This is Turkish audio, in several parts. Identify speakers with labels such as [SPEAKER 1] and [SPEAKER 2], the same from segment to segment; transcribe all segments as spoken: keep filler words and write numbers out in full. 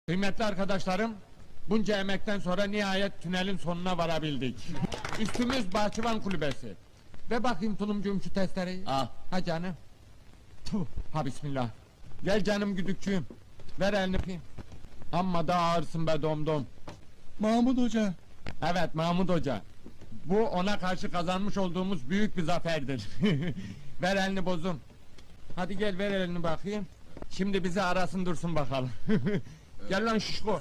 [SPEAKER 1] Kıymetli arkadaşlarım, bunca emekten sonra nihayet tünelin sonuna varabildik. Üstümüz bahçıvan kulübesi. Ve bakayım tulumcuğum şu testereyi.
[SPEAKER 2] Al.
[SPEAKER 1] Ha canım. Tuh, ha bismillah. Gel canım güdükçüğüm. Ver elini öpeyim. Amma da ağırsın be domdom.
[SPEAKER 2] Mahmut Hoca.
[SPEAKER 1] Evet Mahmut Hoca. Bu ona karşı kazanmış olduğumuz büyük bir zaferdir. Ver elini bozum. Hadi gel ver elini bakayım. Şimdi bizi arasın dursun bakalım. Gel lan şişko.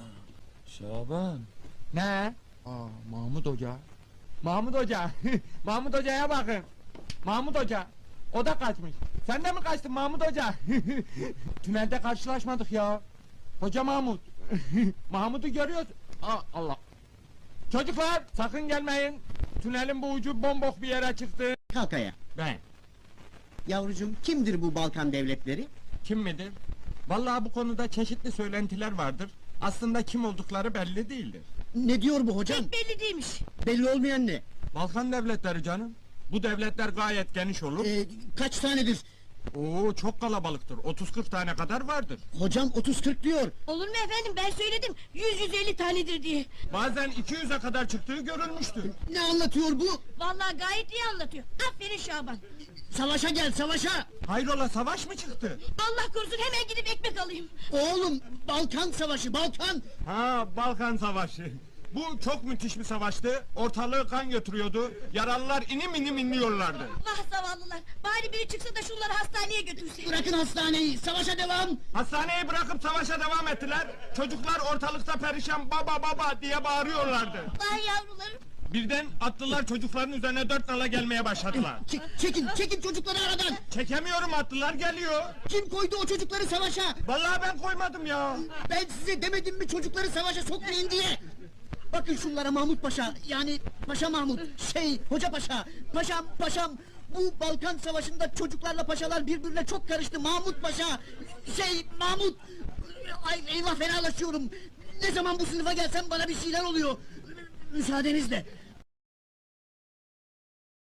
[SPEAKER 2] Şaban.
[SPEAKER 1] Ne? Aa Mahmut Hoca. Mahmut Hoca. Mahmut Hoca'ya bakın. Mahmut Hoca. O da kaçmış. Sen de mi kaçtın Mahmut Hoca? Tünelde karşılaşmadık ya. Hoca Mahmut. Mahmut'u görüyoruz. Aa, Allah. Çocuklar sakın gelmeyin. Tünelin bu ucu bombok bir yere çıktı.
[SPEAKER 3] Kalk ayağa.
[SPEAKER 1] Ben.
[SPEAKER 3] Yavrucuğum, kimdir bu Balkan devletleri?
[SPEAKER 1] Kim midir? Vallahi bu konuda çeşitli söylentiler vardır. Aslında kim oldukları belli değildir.
[SPEAKER 3] Ne diyor bu hocam?
[SPEAKER 4] Pek belli değilmiş.
[SPEAKER 3] Belli olmayan ne?
[SPEAKER 1] Balkan devletleri canım. Bu devletler gayet geniş olur.
[SPEAKER 3] Ee, kaç tanedir?
[SPEAKER 1] Oo çok kalabalıktır. otuz kırk tane kadar vardır.
[SPEAKER 3] Hocam otuz kırk diyor.
[SPEAKER 4] Olur mu efendim, ben söyledim yüz yüz elli tanedir diye.
[SPEAKER 1] Bazen iki yüze kadar çıktığı görülmüştür.
[SPEAKER 3] Ne anlatıyor bu?
[SPEAKER 4] Vallahi gayet iyi anlatıyor. Aferin Şaban.
[SPEAKER 3] Savaşa gel, savaşa!
[SPEAKER 1] Hayrola savaş mı çıktı?
[SPEAKER 4] Allah korusun, hemen gidip ekmek alayım.
[SPEAKER 3] Oğlum, Balkan savaşı, Balkan!
[SPEAKER 1] Ha Balkan Savaşı. Bu çok müthiş bir savaştı. Ortalığı kan götürüyordu. Yaralılar inim inim inliyorlardı.
[SPEAKER 4] Vah zavallılar, bari biri çıksa da şunları hastaneye götürse.
[SPEAKER 3] Bırakın hastaneyi, savaşa devam!
[SPEAKER 1] Hastaneyi bırakıp savaşa devam ettiler. Çocuklar ortalıkta perişan baba baba diye bağırıyorlardı.
[SPEAKER 4] Vay yavrularım.
[SPEAKER 1] Birden atlılar çocukların üzerine dört nala gelmeye başladılar.
[SPEAKER 3] Çek, çekin, çekin çocukları aradan!
[SPEAKER 1] Çekemiyorum, atlılar geliyor.
[SPEAKER 3] Kim koydu o çocukları savaşa?
[SPEAKER 1] Vallahi ben koymadım ya.
[SPEAKER 3] Ben size demedim mi çocukları savaşa sokmayın diye? Bakın şunlara Mahmut Paşa, yani Paşa Mahmut, şey, Hoca Paşa, Paşam, Paşam... Bu Balkan Savaşı'nda çocuklarla paşalar birbirine çok karıştı Mahmut Paşa! Şey, Mahmut... Ay eyvah, fenalaşıyorum! Ne zaman bu sınıfa gelsem bana bir şeyler oluyor! Müsaadenizle!